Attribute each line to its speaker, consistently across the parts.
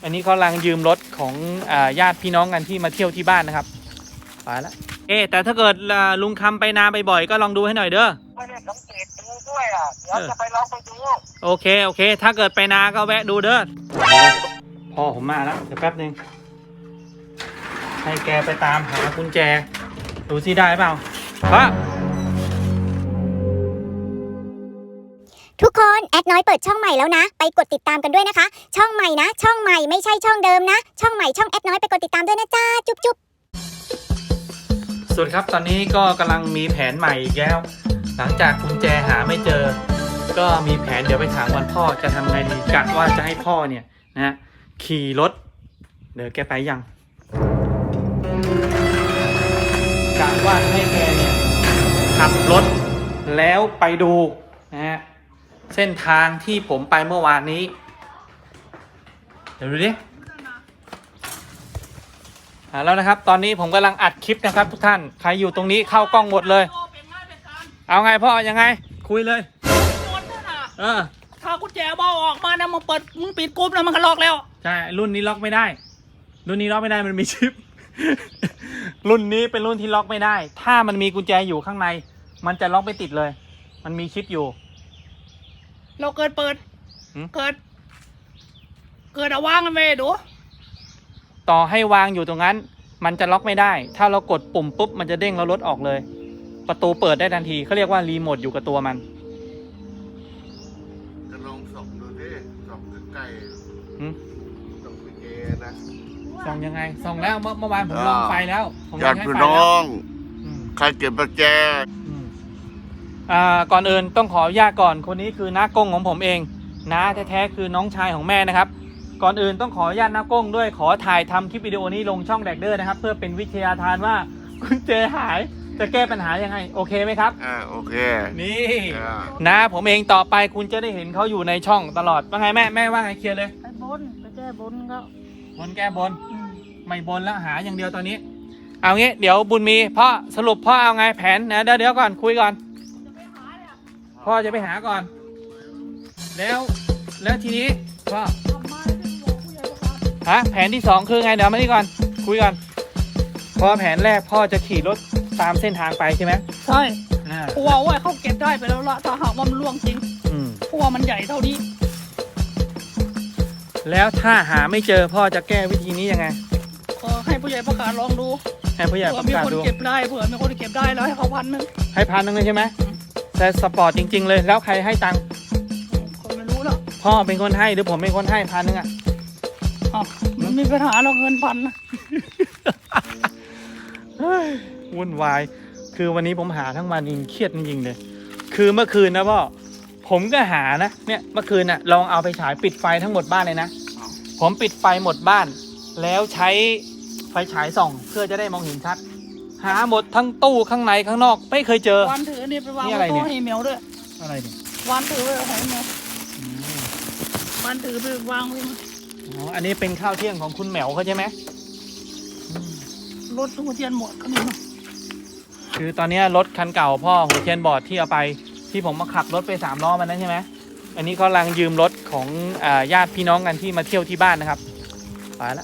Speaker 1: อันนี้เขากำลังยืมรถของญาติพี่น้องกันที่มาเที่ยวที่บ้านนะครับไปแล้วแต่ถ้าเกิดลุงคำไปนาบ่อยๆก็ลองดูให้หน่อยเด้อ
Speaker 2: ไม่ได้สังเกตดูด้วยอ่ะเดี๋ยวจะไปลองไปดู
Speaker 1: โอเคถ้าเกิดไปนาก็แวะดูเด้อพ่อผมมาแล้วเดี๋ยวแป๊บนึงให้แกไปตามหากุญแจดูสิได้เปล่าพ่อ
Speaker 3: ทุกคนแอดน้อยเปิดช่องใหม่แล้วนะไปกดติดตามกันด้วยนะคะช่องใหม่นะช่องใหม่ไม่ใช่ช่องเดิมนะช่องใหม่ช่องแอดน้อยไปกดติดตามด้วยนะจ้าจุ๊บ
Speaker 1: สวัสดีครับตอนนี้ก็กำลังมีแผนใหม่อีกแล้วหลังจากกุญแจหาไม่เจอก็มีแผนเดี๋ยวไปถามวันพ่อจะทำไงดีกะว่าจะให้พ่อเนี่ยนะขี่รถเดี๋ยวแกไปยังกะว่าให้แกเนี่ยขับรถแล้วไปดูนะฮะเส้นทางที่ผมไปเมื่อวานนี้เดี๋ยวดูดิแล้วนะครับตอนนี้ผมกำลังอัดคลิปนะครับทุกท่านใครอยู่ตรงนี้เข้ากล้องหมดเลยเอาไงพ่อยังไงคุยเลย
Speaker 4: ถ้ากุญแจเบาออกมานะมึงเปิดมึงปิดกรุ๊ปแล้วมันก็ล็อกแล้ว
Speaker 1: ใช่รุ่นนี้ล็อกไม่ได้รุ่นนี้ล็อกไม่ได้มันมีชิป รุ่นนี้เป็นรุ่นที่ล็อกไม่ได้ถ้ามันมีกุญแจอยู่ข้างในมันจะล็อกไม่ติดเลยมันมีชิปอยู่
Speaker 4: เราเกิดเอาวางกันไปดู
Speaker 1: ต่อให้วางอยู่ตรงนั้นมันจะล็อกไม่ได้ถ้าเรากดปุ่มปุ๊บมันจะเด้งแล้วรถออกเลยประตูเปิดได้ทันทีเขาเรียกว่ารีโมทอยู่กับตัวมัน
Speaker 2: จะลองส่องดูดิส่องใกล้ส่องกุญแจนะ
Speaker 1: ส่องยังไงส่องแล้วเมื่อวานผมลองไฟแล้วผม
Speaker 2: ญาติพี่น้องใครเก็บกุญแจ
Speaker 1: ก่อนอื่นต้องขออนุญาตก่อนคนนี้คือน้ากงของผมเองน้าแท้ๆคือน้องชายของแม่นะครับก่อนอื่นต้องขออนุญาตน้ากงด้วยขอถ่ายทำคลิปวิดีโอนี้ลงช่องแดกเดอร์นะครับเพื่อเป็นวิทยาทานว่ากุญแจหายจะแก้ปัญหายังไงโอเคไหมครับ
Speaker 2: โอเค
Speaker 1: นี่น้าผมเองต่อไปคุณจะได้เห็นเขาอยู่ในช่องตลอดว่าไงแม่ว่าไงเคลียร์เลย
Speaker 4: ไปบนไปแก้บนก็
Speaker 1: บนแก้บนไม่บนแล้วหาอย่างเดียวตอนนี้เอางี้เดี๋ยวบุญมีพ่อสรุปพ่อเอาไงแผนนะเดี๋ยวก่อนคุยก่อนพ่อจะไปหาก่อนแล้วทีนี้พ่อแผนที่2คือไงเดี๋ยวมานี่ก่อนคุยก่อนพอแผนแรกพ่อจะขี่รถตามเส้นทางไปใช่ไหม
Speaker 4: ใช่เพราะว่าเขาเก็บได้ไปแล้วละถ้าหากว่ามันล่วงจริงเพราะว่ามันใหญ่เท่านี้
Speaker 1: แล้วถ้าหาไม่เจอพ่อจะแก้วิธีนี้ยังไง
Speaker 4: ให้ผู้ใหญ่ประกาศลองดู
Speaker 1: ให้ผู้ใหญ่ประกาศดู
Speaker 4: เผื่อมีคนเก็บได้เผื่อมีคนเก็บได้แล้วให้เขา1,000
Speaker 1: ให้1,000เลยใช่ไหมแต่สปอร์ตจริงๆเลยแล้วใครให้ตังค์
Speaker 4: คนไม่รู้หรอก
Speaker 1: พ่อเป็นคนให้หรือผมเป็นคนให้1,000อ่ะ
Speaker 4: มันมีปัญหาเราเงิน1,000นะ
Speaker 1: วุ่นวายคือวันนี้ผมหาทั้งวันจริงเครียดจริงๆเลยคือเมื่อคืนนะพ่อผมก็หานะเนี่ยเมื่อคืนน่ะลองเอาไปฉายปิดไฟทั้งหมดบ้านเลยนะผมปิดไฟหมดบ้านแล้วใช้ไฟฉายส่องเพื่อจะได้มองเห็นชัดหาหมดทั้งตู้ข้างในข้างนอกไม่เคยเจอ
Speaker 4: วันถือนี่ไปวางไว้ตู้ให้เหมียวด้วย
Speaker 1: อะไรเนี่ย
Speaker 4: วันถือไว้ให้เหมียววันถือไปวางไว้
Speaker 1: อันนี้เป็นข้าวเที่ยงของคุณแหมวเขาใช่ไหม
Speaker 4: รถหัวเทียนหมดก็มีมั้ง
Speaker 1: คือตอนนี้รถคันเก่าพ่อหัวเทียนบอร์ดที่เอาไปที่ผมมาขับรถไป3 ล้อมันนั้นใช่ไหมอันนี้เขากำลังยืมรถของญาติพี่น้องกันที่มาเที่ยวที่บ้านนะครับไปแล้ว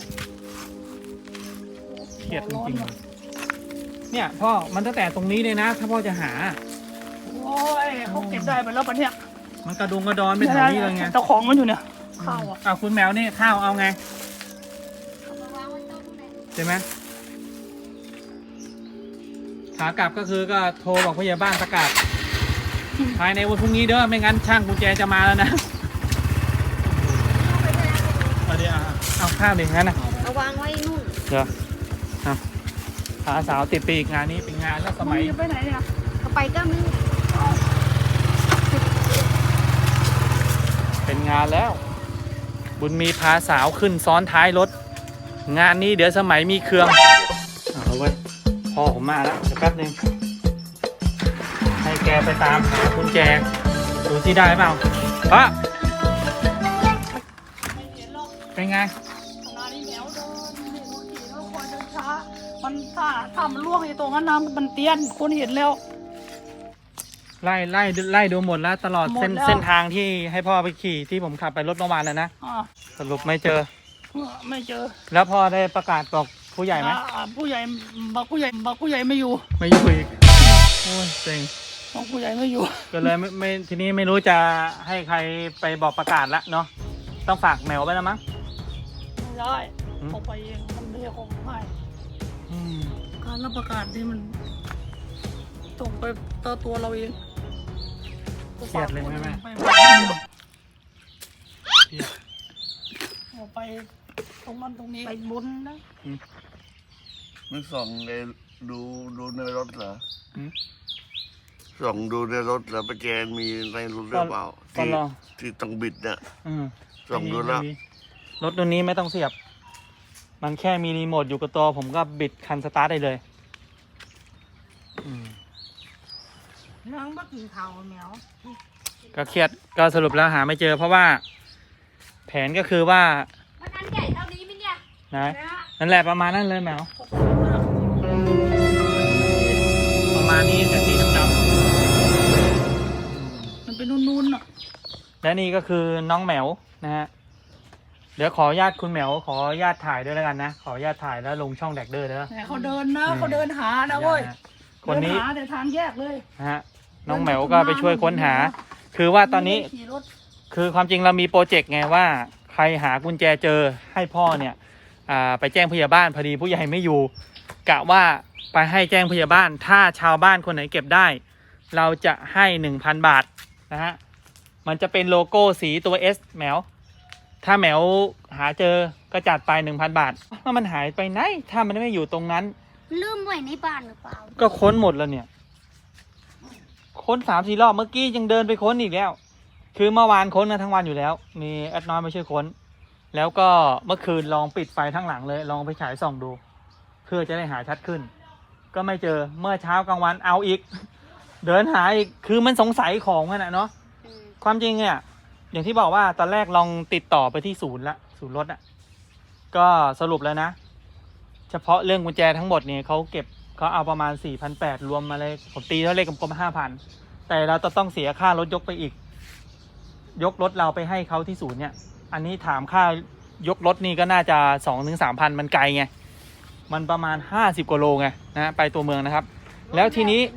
Speaker 1: เครียดจริงๆเนี่ยพ่อมันตั้งแต่ตรงนี้เลยนะถ้าพ่อจะหา
Speaker 4: โอ้ยเขาเก็บได้ไปแล้วปะเนี่ย
Speaker 1: มันกระดุงกระดอนไปทางนี้เลยไง
Speaker 4: เจ้าของมันอยู่เนี่ยข้าว
Speaker 1: คุณแมวนี่ข้าวเอาไงใช่ไหมขากลับก็คือก็โทรบอกผู้ใหญ่บ้านประกาศภายในวันพรุ่งนี้เด้อไม่งั้นช่างกุญแจจะมาแล้วนะเอาข้าวดิงั้นนะ
Speaker 3: เอาวางไว้นู่น
Speaker 1: เดี๋ยวพาสาวติดปีกงานนี้เป็นงานแล้วสมัย
Speaker 4: ไปไหนเนี่ย
Speaker 3: เอาไปก็มึง
Speaker 1: เป็นงานแล้วบุญมีพาสาวขึ้นซ้อนท้ายรถงานนี้เดี๋ยวสมัยมีเครื่องเอาไว้พ่อผมมาแล้วเดี๋ยวแป๊บนึงให้แกไปตามหากุญแจดูที่ได้เปล่าพ่อเป็นไง
Speaker 4: มันถ้ามันล่วงอยู่ตรงนั้นน้ำมันเตี้ยนคนเห็นแล้ว
Speaker 1: ไล่ดูหมดแล้วตลอดเส้นทางที่ให้พ่อไปขี่ที่ผมขับไปรถเมื่อวานแล้วนะสรุปไม่เจอ
Speaker 4: ไม่เจอ
Speaker 1: แล้วพ่อได้ประกาศบอกผู้ใหญ่ไหม
Speaker 4: ผู้ใหญ่บอกผู้ใหญ่ไม่อยู่
Speaker 1: ไม่อยู่อีกโอ้ยเซ็ง
Speaker 4: บอกผู้ใหญ่ไม่อยู่
Speaker 1: ก็เลยไม่ทีนี้ไม่รู้จะให้ใครไปบอกประกาศละเนาะต้องฝากแมวไปแล้วมั้ง
Speaker 4: ไม่ได้
Speaker 1: อืม
Speaker 4: เขาไปเองมันไม่ใช่ของให้
Speaker 1: อืม
Speaker 4: การรับประกาศนี่มันต้องไปต่อตัวเราเอง
Speaker 1: เครียดเลยไหมแม่
Speaker 4: ไป
Speaker 1: เครียด
Speaker 4: เอาไปตรงนั้นตรงนี้ไปบนนะ
Speaker 2: ไม่ส่องในดูในรถเหรอ
Speaker 1: อืม
Speaker 2: ส่องดูในรถเหรอประแจมีในรถหรือเปล่า
Speaker 1: ก็ลอง
Speaker 2: ที่ต้องบิดเนี่ย
Speaker 1: อืม
Speaker 2: ส่องดูแล้ว
Speaker 1: รถตัวนี้ไม่ต้องเสียบ มันแค่มีรีโมทอยู่กับตัวผมก็บิดคันสตาร์ทได้เลยอืม
Speaker 4: นั่งบักกินข้าวแมว
Speaker 1: ก็เครียดก็สรุปแล้วหาไม่เจอ เพราะว่า แผนก็คือว่า
Speaker 3: มันอันใหญ่เท่านี้มั้ยเนี่ย
Speaker 1: นะนั่นแหละประมาณนั้นเลยแมวประมาณนี้แต่สีดำ
Speaker 4: มันเป็นนุ่นๆอ่ะ
Speaker 1: ๆและนี่ก็คือน้องแมวนะฮะเดี๋ยวขออนุญาตคุณแมวขออนุญาตถ่ายด้วยแล้วกันนะขออนุญาตถ่ายแล้วลงช่องแดกเดอร์เด้อ
Speaker 4: แต่เขาเดินนะเขาเดินหานะเว้ย
Speaker 1: คนนี้
Speaker 4: เดิหาแต่ทางแยกเลย
Speaker 1: นะฮะน้องแมวก็ไปช่วยค้นหา คือว่าตอนนี้
Speaker 4: ขี่รถ
Speaker 1: คือความจริงเรามีโปรเจกต์ไงว่าใครหากุญแจเจอให้พ่อเนี่ยไปแจ้งผู้ใหญ่บ้านพอดีผู้ใหญ่ไม่อยู่กะว่าไปให้แจ้งผู้ใหญ่บ้านถ้าชาวบ้านคนไหนเก็บได้ เราจะให้ 1,000 บาทนะฮะมันจะเป็นโลโก้สีตัว S แมวถ้าแมวหาเจอก็จัดไป 1,000 บาทว่ามันหายไปไหนถ้ามันไม่อยู่ตรงนั้น
Speaker 3: ลืมไว้ในบ้านหรือเปล่า
Speaker 1: ก็ค้นหมดแล้วเนี่ยค้น3-4 รอบเมื่อกี้ยังเดินไปค้นอีกแล้ว คือเมื่อวานค้นกันทั้งวันอยู่แล้ว มีแอดน้อยมาช่วยค้น แล้วก็เมื่อคืนลองปิดไฟทั้งหลังเลยลองไปฉายส่องดู เพื่อจะได้หาชัดขึ้น ก็ไม่เจอเมื่อเช้ากลางวันเอาอีก เดินหาอีกคือมันสงสัยของมันอะเนาะความจริงเนี่ยอย่างที่บอกว่าตอนแรกลองติดต่อไปที่ศูนย์รถอะก็สรุปแล้วนะ เฉพาะเรื่องกุญแจทั้งหมดเนี่ยเขาเก็บเขาเอาประมาณ 4,800 รวมมาเลยผมตีเท่าเลขกลมๆ 5,000 แต่เราจะต้องเสียค่ารถยกไปอีก ยกรถเราไปให้เขาที่ศูนย์เนี่ย อันนี้ถามค่ายกรถนี่ก็น่าจะ 2-3,000 มันไกลไง มันประมาณ50 กว่าโลไงนะไปตัวเมืองนะครับ แล้วทีนี้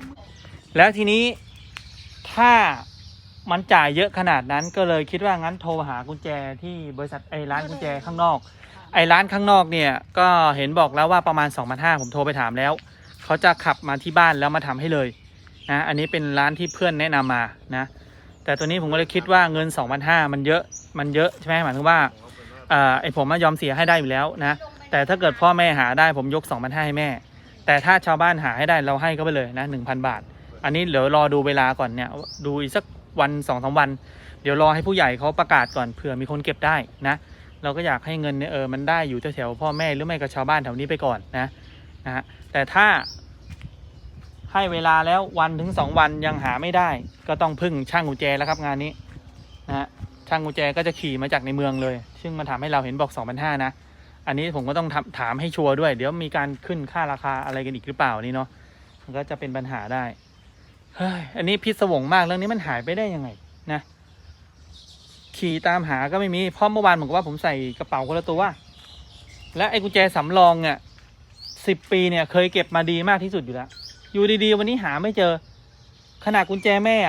Speaker 1: ถ้ามันจ่ายเยอะขนาดนั้นก็เลยคิดว่างั้นโทรหากุญแจที่บริษัทร้านกุญแจข้างนอก ร้านข้างนอกเนี่ยก็เห็นบอกแล้วว่าประมาณ 2,500 ผมโทรไปถามแล้วเขาจะขับมาที่บ้านแล้วมาทำให้เลยนะอันนี้เป็นร้านที่เพื่อนแนะนำมานะแต่ตัวนี้ผมก็เลยคิดว่าเงิน 2,500 มันเยอะใช่ไหมหมายถึงว่าผมยอมเสียให้ได้อยู่แล้วนะแต่ถ้าเกิดพ่อแม่หาได้ผมยก 2,500 ให้แม่แต่ถ้าชาวบ้านหาให้ได้เราให้ก็ไปเลยนะ 1,000 บาทอันนี้เดี๋ยวรอดูเวลาก่อนเนี่ยดูอีกสักวัน 2-3 วันเดี๋ยวรอให้ผู้ใหญ่เขาประกาศก่อนเผื่อมีคนเก็บได้นะเราก็อยากให้เงินเนี่ยมันได้อยู่แถวๆพ่อแม่หรือไม่ก็ชาวบ้านแถวนี้ไปก่อนนะฮะแต่ถ้าให้เวลาแล้ว1-2 วันยังหาไม่ได้ก็ต้องพึ่งช่างกุญแจแล้วครับงานนี้นะฮะช่างกุญแจก็จะขี่มาจากในเมืองเลยซึ่งมันทำให้เราเห็นบอก 2,500 นะอันนี้ผมก็ต้องถามให้ชัวร์ด้วยเดี๋ยวมีการขึ้นค่าราคาอะไรกันอีกหรือเปล่านี่เนาะมันก็จะเป็นปัญหาได้เฮ้ยอันนี้พิศวงมากเรื่องนี้มันหายไปได้ยังไงนะขี่ตามหาก็ไม่มีเพราะเมื่อวานผมก็ว่าผมใส่กระเป๋าคนละตัวและไอ้กุญแจสำรองเนี่ย10 ปีเนี่ยเคยเก็บมาดีมากที่สุดอยู่แล้วอยู่ดีๆวันนี้หาไม่เจอขนาดกุญแจแม่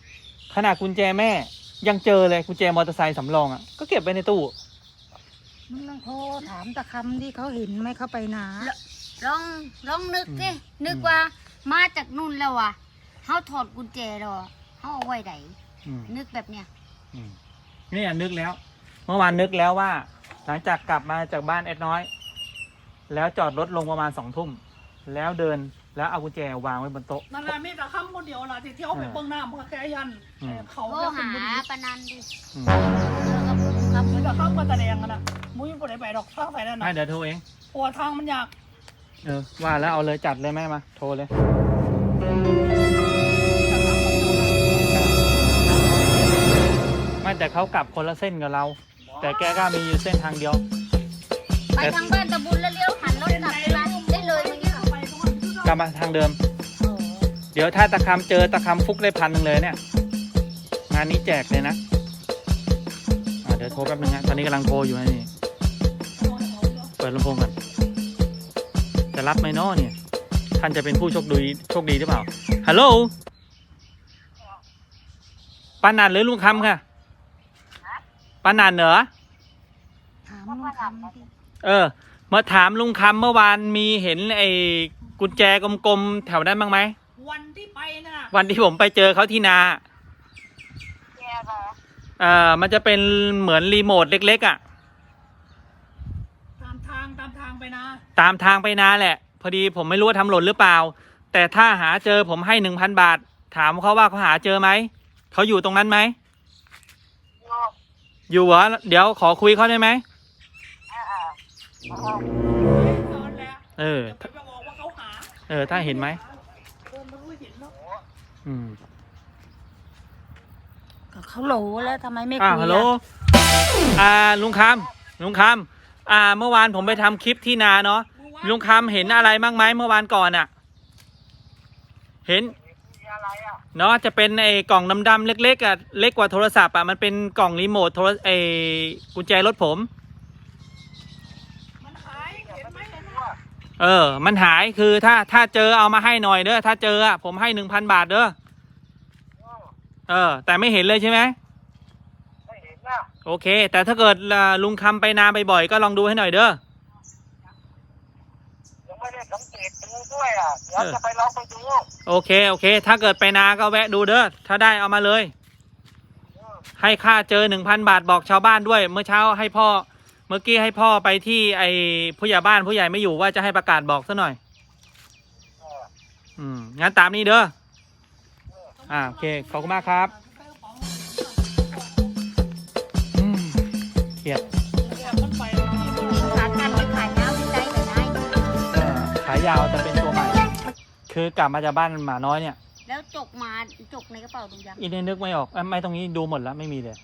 Speaker 1: ยังเจอเลยกุญแจมอเตอร์ไซค์สำรองก็เก็บไว้ในตู้
Speaker 5: มึงลองโทรถามตะคำที่เขาเห็นไหมเขาไปนา
Speaker 3: ลองนึกสินึกว่ามาจากนู่นแล้วอ่ะเขาถอดกุญแจแล้วเขาเอาไว้ไหนนึกแบบเนี้ย
Speaker 1: นี่นึกแล้วเมื่อวานนึกแล้วว่าหลังจากกลับมาจากบ้านแอดน้อยแล้วจอดรถลงประมาณ2 ทุ่มแล้วเดินแล้วเอากุญแจวางไว้บนโต๊ะ
Speaker 4: นั่นแหละมีแต่คำคนเดียวล่ะที่เที่ยวไปเบื้องหน้ามันก็แค่ยันเขา
Speaker 3: โทร
Speaker 4: แค่คน
Speaker 3: หา
Speaker 4: บุรี
Speaker 3: ปานันดิ
Speaker 4: ครับมีแต่คำก็แสดงกันนะมุ้ยไม่ได้ไปดอกข้างไปนั่นนะ
Speaker 1: ให้เดี๋ยวโทรเอง
Speaker 4: ปวดทางมันยาก
Speaker 1: ว่าแล้วเอาเลยจัดเลยแม่มาโทรเลยไม่แต่เขากลับคนละเส้นกับเรา แต่แกก็มีอยู่เส้นทางเดียว
Speaker 3: ไปทางบ้านตะบุญแล้วเลี้ยวหันรถกลับไปร้านได้เลยเมื่อกี้
Speaker 1: กลับมาทางเดิม เดี๋ยวถ้าตะคำเจอตะคำฟุกได้1,000เลยเนี่ยงานนี้แจกเลยนะเดี๋ยวโทรแป๊บนึงนะตอนนี้กำลังโทรอยู่นี่เปิดลำโพงก่อนจะรับไหมน้อเนี่ยท่านจะเป็นผู้โชคดีหรือเปล่าฮัลโหลปานันหรือลุงคำค่ะปานันเหรอ
Speaker 5: ถามลุงคำดิ
Speaker 1: มาถามลุงคำเมื่อวานมีเห็นไอ้กุญแจกลมๆแถวนั้นบ้างไหม
Speaker 4: วันที่ไปนะ
Speaker 1: วันที่ผมไปเจอเขาที่นามันจะเป็นเหมือนรีโมทเล็กๆอ่ะ
Speaker 4: ตามทางไปนะ
Speaker 1: ตามทางไปนาแหละ พอดีผมไม่รู้ว่าทำหล่นหรือเปล่า แต่ถ้าหาเจอผมให้ 1,000 บาท ถามเขาว่าเขาหาเจอไหม เขาอยู่ตรงนั้นไหม อยู่เหรอ เดี๋ยวขอคุยเขาได้ไหม
Speaker 4: ตอนแล้ว
Speaker 1: เออ
Speaker 4: จะไปบอกว่าเขาหา
Speaker 1: ถ้าเห็นไหม
Speaker 4: มันรู้เห็นแล้ว
Speaker 1: อืม
Speaker 5: ก็เขาโหลแล้วทำไมไม่
Speaker 1: อ้า
Speaker 5: คุ
Speaker 1: วย ฮัลโหล ลุงคำเมื่อวานผมไปทำคลิปที่นาเนาะ ลุงคำเห็นอะไรบ้างไหมเมื่อวานก่อนอะเห็นเนาะจะเป็นไอ้กล่องดำๆเล็กๆอะเล็กกว่าโทรศัพท์อะมันเป็นกล่องรีโมทกุญแจรถผม
Speaker 4: มันหายเห็นไหม
Speaker 1: มันหายคือถ้าเจอเอามาให้หน่อยเด้อถ้าเจออะผมให้ 1,000 บาทเด้อแต่ไม่เห็นเลยใช่ไหมไม่เห็นนะโอเค แต่ถ้าเกิดลุงคำไปนาบ่อยๆก็ลองดูให้หน่อยเด้อยังไม่ได้สังเกตดูด้วยอ่ะเดี๋ยวจะไปลองไปดูโอเคถ้าเกิดไปนาก็แวะดูเด้อถ้าได้เอามาเลยให้ค่าเจอ 1,000 บาทบอกชาวบ้านด้วยเมื่อเช้าให้พ่อเมื่อกี้ให้พ่อไปที่ไอ้ผู้ใหญ่บ้านผู้ใหญ่ไม่อยู่ว่าจะให้ประกาศบอกซะหน่อยงั้นตามนี้เด้อโอเคขอบคุณมากครับเครียด
Speaker 4: มันไปแล้วที่มัน
Speaker 5: ขากันไปขายน้ำที่ใจแต่ได้
Speaker 1: ขายาวจะเป็นตัวใหม่ คือกลับมาจากบ้านหมาน้อยเนี่ย
Speaker 5: แล้วจกในกระเป๋าดูยัง
Speaker 1: อีเนี่ยนึกไม่ออกไม่ตรงนี้ดูหมดแล้วไม่มีเลย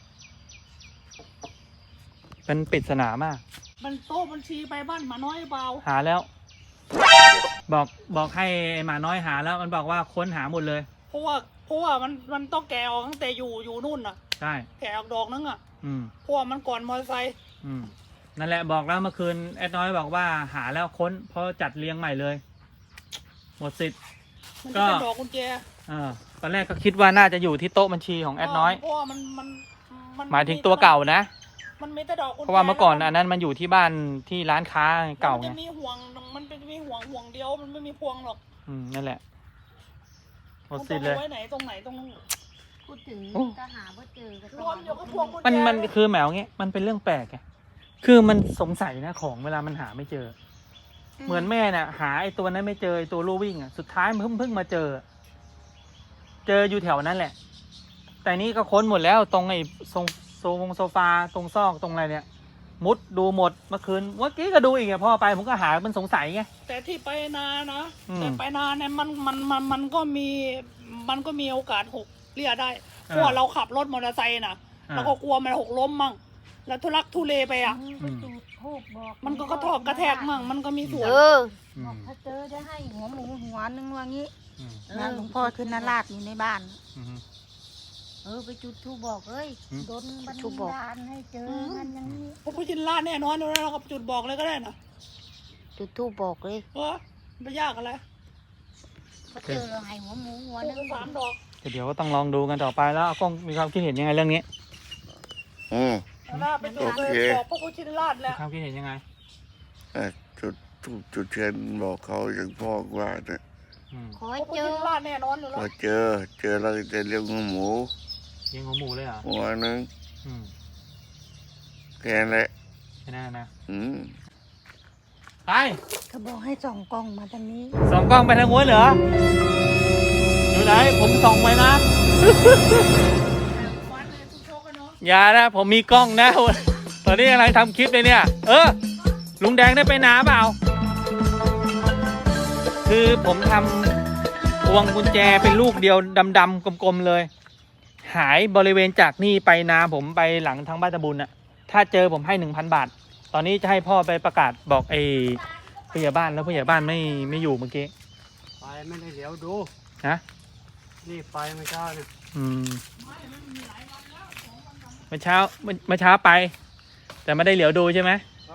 Speaker 1: เป็นปริศนามาก
Speaker 4: มันโต๊ะบัญชีไปบ้านหมาน้อยเปล่า
Speaker 1: หาแล้ว บอกให้ไอ้หมาน้อยหาแล้วมันบอกว่าค้นหาหมดเลย
Speaker 4: เพราะว่ามันต้องแกะออกตั้งแต่อยู่นู่นน่ะ
Speaker 1: ใช่
Speaker 4: แกะออกดอกนึงอ่ะ
Speaker 1: อืม
Speaker 4: เพราะว่ามันก่อนมอเตอร์ไซค์
Speaker 1: นั่นแหละบอกแล้วเมื่อคืนแอดน้อยบอกว่าหาแล้วค้นเพราะจัดเรียงใหม่เลย หมดสิทธิ์
Speaker 4: มันจะเป็นดอกกุญแจ
Speaker 1: ตอนแรกก็คิดว่าน่าจะอยู่ที่โต๊ะบัญชีของแอดน้อย
Speaker 4: เพราะว่ามัน
Speaker 1: หมายถึงตัวเก่านะ
Speaker 4: มันมีแต่ดอกกุญแจ
Speaker 1: เพราะว่าเมื่อก่อนอันนั้นมันอยู่ที่บ้านที่ร้านค้าเก่า
Speaker 4: มัน
Speaker 1: ไง
Speaker 4: จะมีห่วงเดียวมันไม่มีพวงหรอก
Speaker 1: นั่นแหละหม
Speaker 4: มั
Speaker 1: ด
Speaker 4: น
Speaker 1: สิ
Speaker 4: ต้
Speaker 1: ท
Speaker 4: อง
Speaker 1: ธิ์เลย
Speaker 4: เอาไว้ไหนตรงไหนตรงนู้น
Speaker 5: พูดถึง
Speaker 1: โอ้
Speaker 5: ก็หาว่าเจอก็
Speaker 4: รวมเดี๋ยวก็พวงกุญแจ
Speaker 1: มันคือแหมวเงี้ยมันเป็นเรื่องแปลกไงคือมันสงสัยนะของเวลามันหาไม่เจอ เหมือนแม่น่ะ หาไอ้ตัวนั้นไม่เจอไอ้ตัวลู่วิ่งอ่ะสุดท้ายมันเพิ่งมาเจออยู่แถวนั้นแหละ แต่นี้ก็ค้นหมดแล้วตรงไอ้โซฟาตรงซอกตรงอะไรเนี่ย มุดดูหมดเมื่อกี้ก็ดูอีกอะพ่อไปผมก็หามันสงสัยไง
Speaker 4: แต่ที่ไปนานะ
Speaker 1: อืม
Speaker 4: แต่ไปนาเนี่ยมันก็มีโอกาสหกเรียได้เพราะว่าเราขับรถมอเตอร์ไซค์น่ะเราก็กลัวมันหกล้มมั่งแล้วทุลักทุเลไปอ่ะ
Speaker 5: ไปจุดธูปบอก
Speaker 4: มันก็กระทบกระแทกมั่งมันก็มีส่วน
Speaker 5: บอกถ้าเจอจะให้หัวหมูหัวนึงว่างี้
Speaker 1: อืม
Speaker 5: นะหลวงพ่อขึ้นนาราชอยู่ในบ้าน
Speaker 1: อืม
Speaker 5: ไปจุดธูปบอกเอ้ย
Speaker 1: อืม
Speaker 5: โดนบันดาลให้เจอกันอย่างนี้
Speaker 4: พวกผู้ชินล่าแน่นอนแล้วเราก็จุดบอกเลยก็ได้นะ
Speaker 5: จุดธูปบอกเลย
Speaker 4: ไม่ยากอะไร
Speaker 5: ถ้าเจอเราให้หัวหมูหัวนึง
Speaker 4: 3 ดอก
Speaker 1: เดี๋ยวก็ต้องลองดูกันต่อไปแล้วกล้องมีความคิดเห็นยังไงเรื่องนี้
Speaker 4: แล้วน่าไปจุดเลยบอกพวกผู้ชินล่าแห
Speaker 1: มี
Speaker 4: ละ
Speaker 1: ความคิดเห็นยังไง
Speaker 2: จุดทูบจุดเทียนบอกเขาอย่างพ่อว่าเนี่ย
Speaker 1: อืม
Speaker 5: ขอ
Speaker 4: พว
Speaker 5: ให้
Speaker 4: กผู้
Speaker 5: เจอ
Speaker 4: ชินล่าแน่นอนอยู่
Speaker 2: พ
Speaker 4: แล้ว
Speaker 2: อเจอแล้วจะเลี้ยงหมู
Speaker 1: เลี้ยงหัวหมูเลยเหรอ
Speaker 2: หัวนึง
Speaker 1: อืม
Speaker 2: แค่นั้นแหละ
Speaker 1: แค่นั้นนะ ไป
Speaker 5: เขาบอกให้ส่องกล้องมาทางนี้
Speaker 1: ส่องกล้องไปทางโน้นเหรออยู่ไหนผมส่องไปนะ
Speaker 4: วันเลยทุกโชคกันเนาะ
Speaker 1: อย่านะผมมีกล้องนะ ตอนนี้กำลังทำคลิปเลยเนี่ย ลุงแดงได้ไปนาเปล่า คือผมทำพวงกุญแจเป็นลูกเดียวดำๆกลมๆเลย หายบริเวณจากนี่ไปนาผมไปหลังทางบ้านตะบุญน่ะ ถ้าเจอผมให้ 1,000 บาท ตอนนี้จะให้พ่อไปประกาศบอกไอ้ผู้ใหญ่บ้านแล้วผู้ใหญ่บ้านไม่อยู่เมื่อกี้
Speaker 6: ไปไม่ได้เดี๋ยวดู
Speaker 1: นะ
Speaker 6: นี่ไปไม่ใช่เนี่ย
Speaker 1: เมื่อเช้าไป แต่ไม่ได้เหลียวดูใช่ไหม
Speaker 6: เขา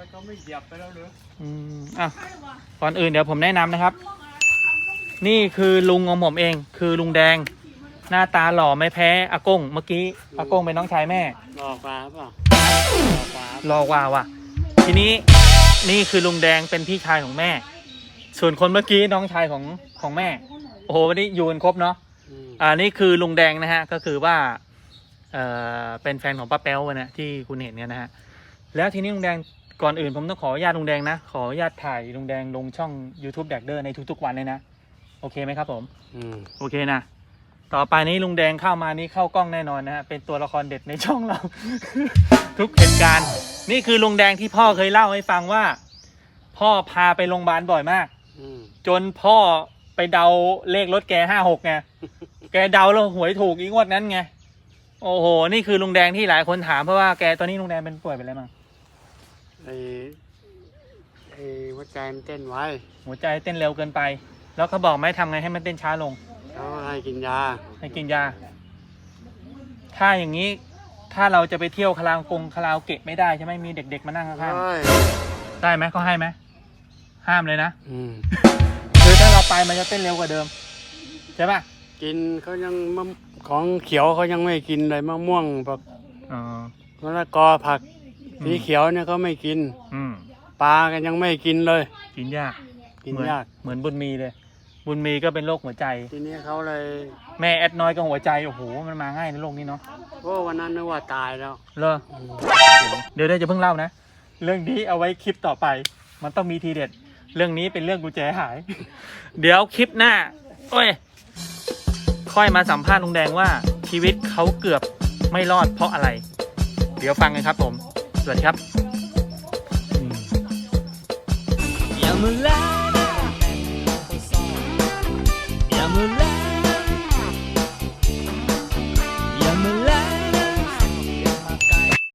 Speaker 6: อยก็ไม่เหยียบไปแล้วหรือ
Speaker 1: อ่ะก่อนอื่นเดี๋ยวผมแนะนำนะครับ นี่คือลุงของผมเอง คือลุงแดง หน้าตาหล่อไม่แพ้อากงเมื่อกี้อากงเป็นน้องชายแม่
Speaker 6: รอฟ้าเปล่า
Speaker 1: หล่อกว่าว่ะ ทีนี้นี่คือลุงแดงเป็นพี่ชายของแม่ ส่วนคนเมื่อกี้น้องชายของแม่ โอ้โหวันนี้อยู่กันครบเนาะ นี่คือลุงแดงนะฮะก็คือว่าเป็นแฟนของป้าแป๊วนะที่คุณเห็นเนี่ยนะฮะแล้วทีนี้ลุงแดงก่อนอื่นผมต้องขออนุญาตลุงแดงนะขออนุญาตถ่ายลุงแดงลงช่อง YouTube แดกเดอร์ในทุกๆวันเลยนะโอเคไหมครับผมโอเคนะต่อไปนี้ลุงแดงเข้ามานี่เข้ากล้องแน่นอนนะฮะเป็นตัวละครเด็ดในช่องเรา ทุกเหตุการณ์นี่คือลุงแดงที่พ่อเคยเล่าให้ฟังว่า พ่อพาไปโรงพยาบาลบ่อยมากจนพ่อไปเดาเลขรถแก56ไงแกเดาแล้วหวยถูกอีกงวดนั้นไงโอ้โหนี่คือลุงแดงที่หลายคนถามเพราะว่าแกตอนนี้ลุงแดงเป็นป่วยเป็นอะไรบ้าง
Speaker 6: ไอ้หัวใจมันเต้นไว้
Speaker 1: หัวใจเต้นเร็วเกินไป แล้วเขาบอกไหมทำไงให้มันเต้นช้าลง
Speaker 6: เขาให้กินยา
Speaker 1: ให้กินยาถ้าอย่างนี้ถ้าเราจะไปเที่ยวคาราโอเกะไม่ได้ใช่ไหมมีเด็กๆมานั่งข้างๆได้ไหมเขาให้ไหมห้ามเลยนะคือถ้าเราไปมันจะเต้นเร็วกว่าเดิมใช่ปะ
Speaker 6: กินเขายังของเขียวเขายังไม่กินเลยมะม่วงแบบมะละกอผักสีเขียวเนี่ยเขาไม่กินปลากันยังไม่กินเลย
Speaker 1: กินยาก
Speaker 6: กินยาก
Speaker 1: เหมือนบุญมีเลย บุญมีก็เป็นโรคหัวใจ
Speaker 6: ทีนี้เขาเลย
Speaker 1: แม่แอดน้อยก็หัวใจโอ้โหมันมาง่ายในโลกนี้เนาะ
Speaker 6: โอ้วันนั้นนึกว่าตายแล้ว
Speaker 1: เหรอเดี๋ยวจะเพิ่งเล่านะเรื่องนี้เอาไว้คลิปต่อไปมันต้องมีทีเด็ดเรื่องนี้เป็นเรื่องกุญแจหาย เดี๋ยวคลิปหน้าโอ้ยค่อยมาสัมภาษณ์ลุงแดงว่าชีวิตเขาเกือบไม่รอดเพราะอะไร เดี๋ยวฟังกันครับผมสวัสดีครับ
Speaker 7: อย่ามาแล้ว